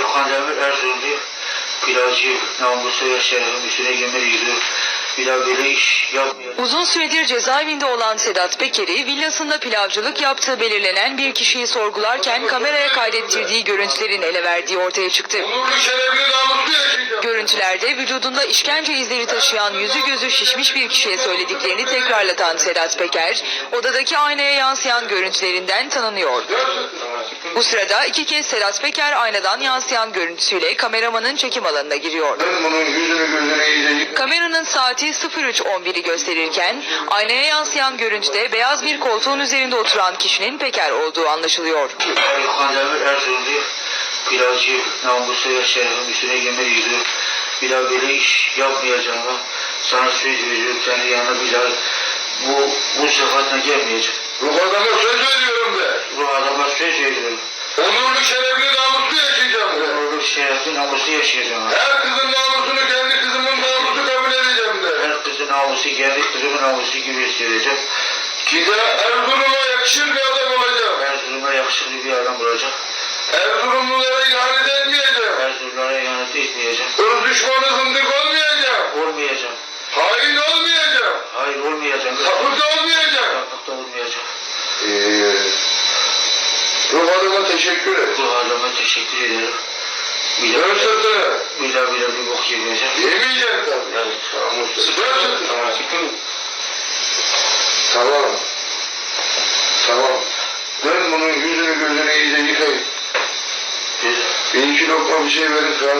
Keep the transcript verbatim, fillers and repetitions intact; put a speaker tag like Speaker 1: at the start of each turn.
Speaker 1: Kandemir Erzurumlu pilavcı namusu yaşayan üstüne yemin ediyor. Bir daha böyle iş yapmayacağım.
Speaker 2: Uzun süredir cezaevinde olan Sedat Peker'i villasında pilavcılık yaptığı belirlenen bir kişiyi sorgularken kameraya kaydettirdiği görüntülerin ele verdiği ortaya çıktı. Görüntülerde vücudunda işkence izleri taşıyan yüzü gözü şişmiş bir kişiye söylediklerini tekrarlatan Sedat Peker, odadaki aynaya yansıyan görüntülerinden tanınıyor. Bu sırada iki kez Sedat Peker aynadan yansıyan görüntüsüyle kameramanın çekim alanına giriyor. Kameranın saati sıfır üç on biri gösterirken aynaya yansıyan görüntüde beyaz bir koltuğun üzerinde oturan kişinin Peker olduğu anlaşılıyor.
Speaker 1: Kandemir Erzurumlu pilavcı namusu yaşayan üstüne yemin ediyor. Bir daha böyle iş yapmayacağım. Sana söz veriyorum, kendi yanına bir daha bu, bu sıfatla gelmeyeceğim.
Speaker 3: Ruh adama söz veriyorum de.
Speaker 1: Ruh adama söz veriyorum.
Speaker 3: Onurlu şerefli namuslu yaşayacağım de.
Speaker 1: Onurlu şerefli namuslu yaşayacağım.
Speaker 3: Her kızın namusunu kendi kızımın namusu kabul edeceğim de.
Speaker 1: Her kızın namusu kendi kızımın namusu gibi hissedeceğim.
Speaker 3: Size Erzurum'a yakışır bir adam olacağım.
Speaker 1: Erzurum'a yakışıklı bir adam olacak.
Speaker 3: Erzurumlulara ihanet etmeyeceğim.
Speaker 1: Erzurumlara ihanet etmeyeceğim.
Speaker 3: Irz düşmanı zındık olmayacağım.
Speaker 1: Olmayacağım.
Speaker 3: Hain olmayacağım.
Speaker 1: Hayır olmayacağım.
Speaker 3: Sapık da olmayacağım.
Speaker 1: Sapık da olmayacağım.
Speaker 3: Ee, ruh adama teşekkür et.
Speaker 1: Bu adama teşekkür ederim. Bir daha,
Speaker 3: Dön sırtını.
Speaker 1: bir daha bir daha bir bok yemeyeceğim.
Speaker 3: Yemeyeceksin tabii.
Speaker 1: Evet.
Speaker 3: Namuslu. Dön sırtını. Tamam. Tamam. Dön bunun yüzünü gözünü iyice yıkayın. Bir iki lokma bir şey verin.